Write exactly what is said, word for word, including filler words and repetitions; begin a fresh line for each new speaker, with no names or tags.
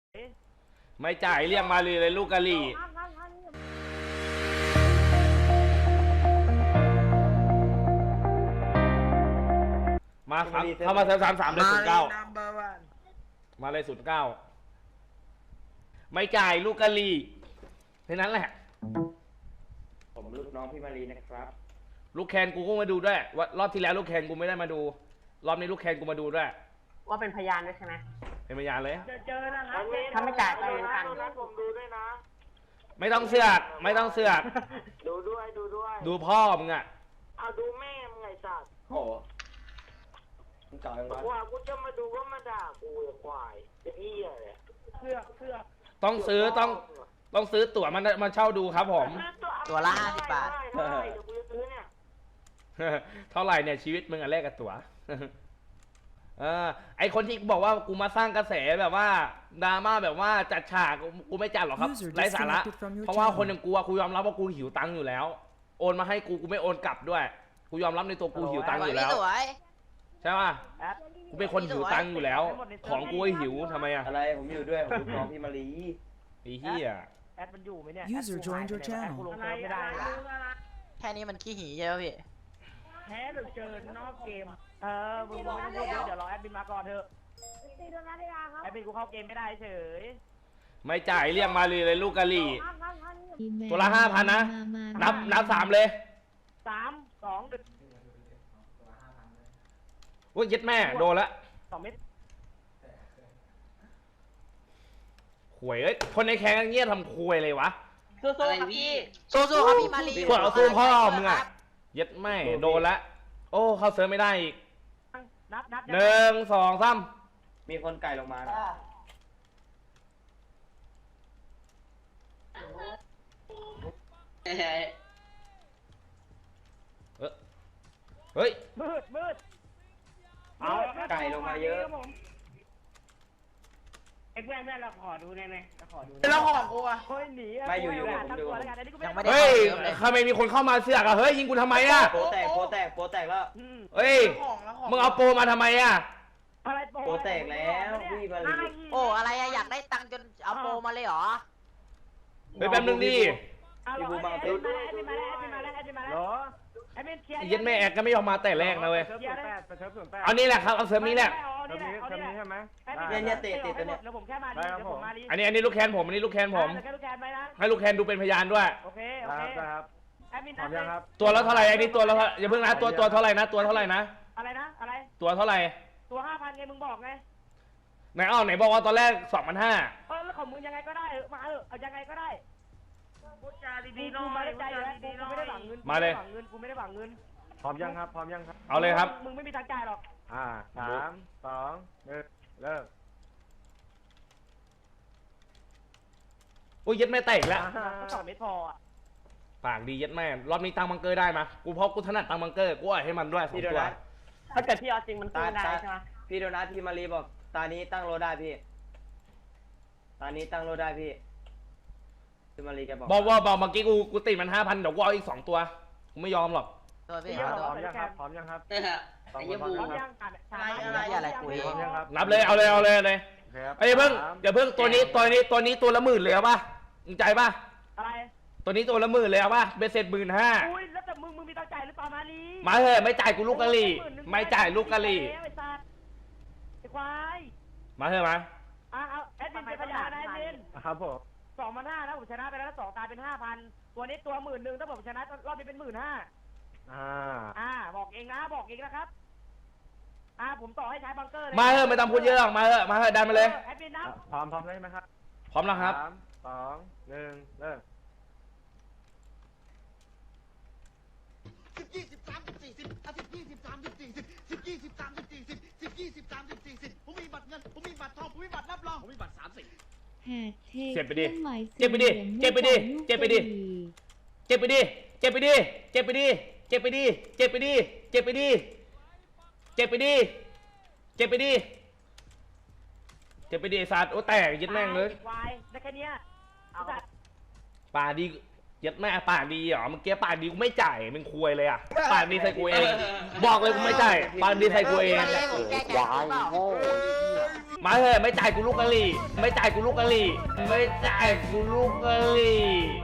ไม่จ่ายเรียกมาเลยเลยลูกกะหรี่มาครับเข้ามาเซิร์ฟสามสามเลยศูนย์เก้ามาเลยศูนย์เก้าไม่จ่ายลูกกะหรี่แค่นั้นแหละ
ผมลูกน้องพี่มารีนะครับ
ลูกแคนกูก็มาดูด้วยว่ารอบที่แล้วลูกแคนกูไม่ได้มาดูรอบนี้ลูกแคนกูมาดูด้วย
ว่าเป็นพยานด้วยใช่ไหม
เป็นพยานเลย
เจอนะครับถ้าไม่จ่ายไปเหมือนกัน
ผมดูด้วยนะ
ไม่ต้องเสือกไม่ต้องเสือก
ดูด้วยดูด้วย
ดูพ่อมึงอ่ะ
เอาดูแม่มึงไงสัตว์โอ้มึงจ่ายมาว่ากูจะมาดูว่ามาด่ากูควายเป็นเหี้ยเลย
เสือกเสือก
ต้องซื้อต้องต้องซื้อตั๋วมันมาเช่าดูครับผม
ตัวละห้าสิบบาท
เท่าไหร่เดี๋ยวกูจะซื้อเนี่ย
เท่าไหร่เนี่ยชีวิตมึงอะแลกกับตั๋วเออไอคนที่บอกว่ากูมาสร้างกระแสแบบว่าดราม่าแบบว่าจัดฉากกูไม่จัดหรอกครับไร้สาระเพราะว่าคนอย่างกูกูยอมรับว่ากูหิวตังค์อยู่แล้วโอนมาให้กูกูไม่โอนกลับด้วยกูยอมรับในตัวกูหิวตังค์อยู่แล้วใช่ป่ะกูเป็นคนหิวตังค์อยู่แล้วของกูหิวทำไมอะ
อะไรผมอยู่ด้วยผมลูกน้องพี่มารี
ไอ้เหี้ย
แอดมันอยู่ไหมเนี่ย
User joined your channel
ไม่ได้แค่นี้มันขี้หีใช่ไหมพี่แพ้หรือเจอนอกเกมเออมึงไม่ต้องพูดเยอะเดี๋ยวรอแอดมินมาก่อนเถอะแอดมินกูเข้าเกมไม่ได้เฉย
ไม่จ่ายเรียกมาเลยเลยลูกกะหรี่ตัวละห้าพันนะนับนับสามเลย
สามสองดึก
ว่ายึดแม่โดนละ
สองเม็ด
หวยเอ้ยคนในแข่งเงี้ยทำคุยเลยวะ
สู้ๆครับพี่สู้ๆครับพี่มาลี
พวกเอาสู้พ่อมึงอ่ะยึดแม่โดนละโอ้เข้าเซิร์ฟไม่ได้อีกหนึ่งสองสาม
มีคนไก่ลงมา
เฮ้ย
มืดมืด
เอาไก่ลงมาเยอะ
ไอ้แม่แม่เราขอดูได้ไหมเราขอดูเราขอกูอ่ะเฮ้ยหนี
ไม่อยู่อยู่ผมดู
เฮ้ยทำไมมีคนเข้ามาเสือกอ่ะเฮ้ยยิงกูทำไมอ่ะ
โปแตกโปแตกโปแตกแล้ว
เฮ้ยมึงเอาโปมาทำไมอ่ะ
โปแตกแล้วพี่มาลี
โอ้อะไรอะอยากได้ตังค์จนเอาโปมาเลยเหรอ
เฮ้ยแป๊บนึงดิ
พี่บูมาดู
ด้วยเหรอ
ยันแม่แอกก็ไม่ยอมมาแต่แรกนะเว้ยเอานี่แหละครับเอาเซิร์ฟนี้แหละ
เซิร์ฟนี้เซิร์ฟนี้ใช่ไหม
เนี่ยเนี่ยเตะเตะตัวเนี่ย
แล้วผมแค่มาดิเดี๋ยวผมมาดิ
อันนี้อันนี้ลูกแคนผมอันนี้ลูกแคนผมให้ลูกแคนดูเป็นพยานด้วย
โอเคโอเคครับ
แอดมินครับตัวละเท่าไหร่อันนี้ตัวละอย่าเพิ่งนะตัวตัวเท่าไหร่นะตัวเท่าไหร่นะ
อะไรนะอะไร
ตัวเท่าไหร่
ตัวห้าพันไงมึงบอกไง
ไหนอ้าวไหนบอกว่าตอนแรกสองพันห้า
เออแล้วของมึงยังไงก็ได้เออมาเออเอายังไงก็ได้พูดจาดีๆน้อยพูดจาดีๆน้อยกูไม่ได้หวังเงิน
มาเลย
หวังเงินกูไม่ได้หวังเงิน
พร้อมยังครับพร้อมยังครับ
เอาเลยครับ
มึงไม่มีทางจ่ายหรอก
อ่าสามสองหนึ่งเริ่ม
โอ้ยยัดแม่แตกแล้ว
สองเม็ดพออ่ะ
ปากดียัดแม่รอบนี้ตังบังเกอร์ได้มากูเพราะกูถนัดตังบังเกอร์กูให้มันด้วยสองตัว
ถ้าเกิดพี่เอาจริงมันตู้ได้ใช่ไหม
พี่โดนัทพี่มารีบอกตานี้ตั้งโลได้พี่ตานี้ตั้งโลได้พี่พี่มารีแกบอก
บอกว่าบอกเมื่อกี้กูกูติดมันห้าพันเดี๋ยวกูเอาอีกสองตัวกูไม่ยอมหรอก
ตัวพี่
พร้อมยังครับพร้อมยังครับ
ไอ้ยังบูพร้อมยังอะไรอะไรกู
พร้อมยังครับ
นับเลยเอาเลยเอาเลยเลยไอ้เพิ่งเดี๋ยวเพิ่งตัวนี้ตัวนี้ตัวนี้ตัวละหมื่นเลยเอาป่ะมึงใจป่ะ
อะไร
ตัวนี้ตัวละหมื่นเลยเอาป่ะเบสเซ็ตหมื่นห้า
อุ้ยแล้วแต่มึงมึงมีตังใจหรือเปล่ามาลี
มาเถอะไม่จ่ายกูลูกกะหรี่ไม่จ่ายลูกกะหรี่
ไอ้สัตว์ไอ้ควาย
มาเถอะมา
อ่ะเอาแอดมินเป็นพยานนะแอดมิน
ครับผม
สองพันห้านะผมชนะไปแล้วสองตายเป็นห้าพันตัวนี้ตัวหมื่นหนึ่งถ้าผมชนะรอบนี้เป็นหมื่นห้า
อ่า
อ่าบอกเองนะบอกเองนะครับอ่าผมต่อให้ใช้บังเกอร์
มาเถอะไม่ต้องพูดเยอะหรอกมาเถอะมาเถอะดันมาเลย
แอดมินนับ
พร้อมพร้อมได้ไหมครับ
พร้อมแล้วครับ
สามสองหนึ่งเริ่ม
สิบยี่สิบสามสิบสี่สิบอ่ะสิบยี่สิบสามสิบสี่สิบสิบยี่สิบสามสิบสี่สิบสิบยี่สิบสามสิบสี่สิบผมมีบัตรเงินผมมีบัตรทองผมมีบัตรรับรองผมมีบัตรสามสิบ
เจ็บไปดิเจ็บไปดิเจ็บไปดิเจ็บไปดิเจ็บไปดิเจ็บไปดิเจ็บไปดิเจ็บไปดิเจ็บไปดิเจ็บไปดิเจ็บไปดิเจ็บไปดิเจ็บไปดิสัตว์โอ้แตกยึดแม่งเลย
ได้แค่นี้
ป่าดีเย็ดแม่ปากดีเหรอเมื่อกี้ปากดีกูไม่จ่ายมึงคุยเลยอ่ะปากดีใส่กูเองบอกเลยกูไม่จ่ายปากดีใส่กูเอง
วายโง่
มาเถอะไม่จ่ายกูลูกกะหรี่ไม่จ่ายกูลูกกะหรี่ไม่จ่ายกูลูกกะหรี่